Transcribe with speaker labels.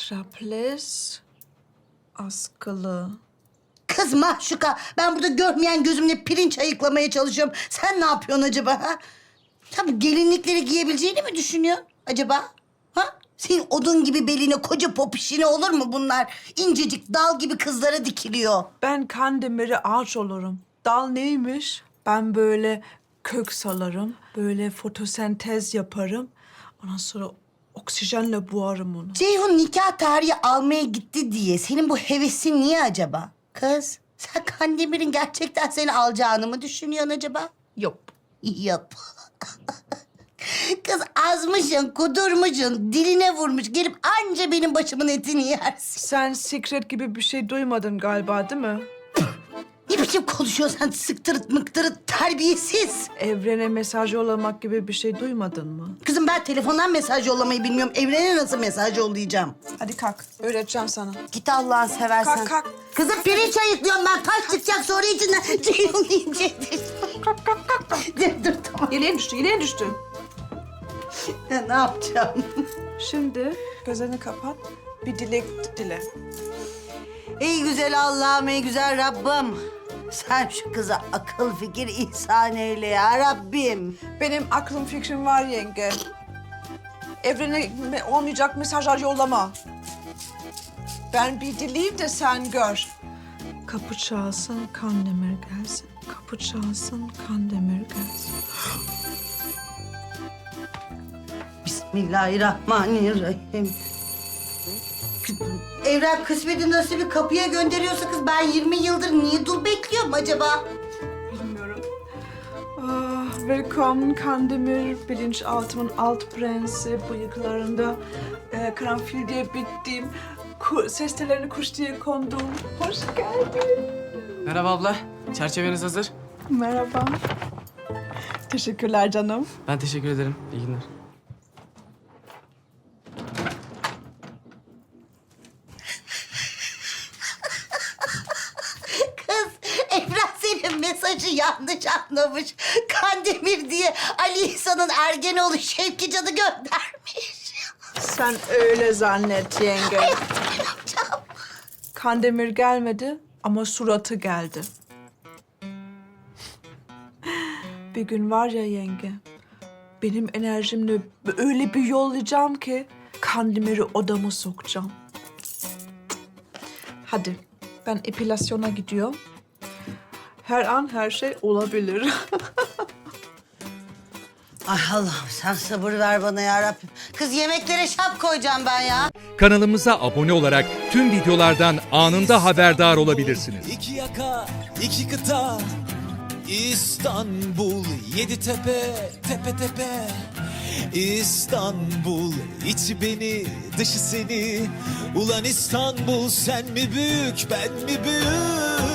Speaker 1: Strapless, askılı.
Speaker 2: Kız Mahşuka, ben burada görmeyen gözümle pirinç ayıklamaya çalışıyorum. Sen ne yapıyorsun acaba ha? Sen bu gelinlikleri giyebileceğini mi düşünüyorsun acaba? Ha? Senin odun gibi beline koca popişine olur mu bunlar? İncecik dal gibi kızlara dikiliyor.
Speaker 1: Ben Kandemir'e ağaç olurum. Dal neymiş? Ben böyle kök salarım, böyle fotosentez yaparım. Ondan sonra oksijenle boğarım onu.
Speaker 2: Ceyhun nikah tarihi almaya gitti diye senin bu hevesin niye acaba? Kız, sen Kandemir'in gerçekten seni alacağını mı düşünüyorsun acaba?
Speaker 1: Yok.
Speaker 2: Yap. Kız azmışsın, kudurmuşsun, diline vurmuş. Gelip anca benim başımın etini yersin.
Speaker 1: Sen secret gibi bir şey duymadın galiba, değil mi?
Speaker 2: Ne biçim konuşuyorsun sen sıktırıt mıktırıt terbiyesiz.
Speaker 1: Evrene mesaj yollamak gibi bir şey duymadın mı?
Speaker 2: Kızım ben telefondan mesaj yollamayı bilmiyorum. Evrene nasıl mesaj yollayacağım?
Speaker 1: Hadi kalk, öğreteceğim sana.
Speaker 2: Git Allah'ını seversen.
Speaker 1: Kalk, kalk.
Speaker 2: Kızım pirinç ayıklıyorum ben. Taş çıkacak sonra içinden. Ceyhun yiyecektir.
Speaker 1: Kalk, kalk, kalk, kalk.
Speaker 2: Dur tamam.
Speaker 1: Yeleğin düştü, yeleğin düştü.
Speaker 2: Ya, ne yapacağım?
Speaker 1: Şimdi gözlerini kapat, bir dilek dile.
Speaker 2: Ey güzel Allah'ım, ey güzel Rabbim. Sen şu kıza akıl fikir ihsan eyle ya Rabbim.
Speaker 1: Benim aklım fikrim var yenge. Evrene olmayacak mesajlar yollama. Ben bir dileyim de sen gör. Kapı çalsın, Kandemir gelsin. Kapı çalsın, Kandemir gelsin.
Speaker 2: Bismillahirrahmanirrahim. Evren kısmeti nasibi kapıya gönderiyorsa kız ben 20 yıldır niye dul bekliyorum acaba?
Speaker 1: Bilmiyorum. Ah, willkommen Kandemir, bilinçaltımın alt prensi, bıyıklarında karanfil diye bittiğim, ses tellerine kuş diye kondum. Hoş geldin.
Speaker 3: Merhaba abla. Çerçeveniz hazır.
Speaker 1: Merhaba. Teşekkürler canım.
Speaker 3: Ben teşekkür ederim. İyi günler.
Speaker 2: Kız Evren senin mesajı yanlış anlamış. Kandemir diye Ali İhsan'ın Ergenoğlu Şevki Can'ı göndermiş.
Speaker 1: Sen öyle zannet yenge.
Speaker 2: Ne yapacağım?
Speaker 1: Kandemir gelmedi ama suratı geldi. Bir gün var ya yenge, benim enerjimle öyle bir yollayacağım ki Kandemir'i odama sokacağım. Hadi, ben epilasyona gidiyorum. Her an her şey olabilir.
Speaker 2: Ay Allah'ım sen sabır ver bana ya Rabbim. Kız yemeklere şap koyacağım ben ya.
Speaker 4: Kanalımıza abone olarak tüm videolardan anında haberdar olabilirsiniz.
Speaker 5: İki yaka, iki kıta, İstanbul, yedi tepe, tepe tepe. İstanbul, içi beni, dışı seni. Ulan İstanbul, sen mi büyük, ben mi büyük?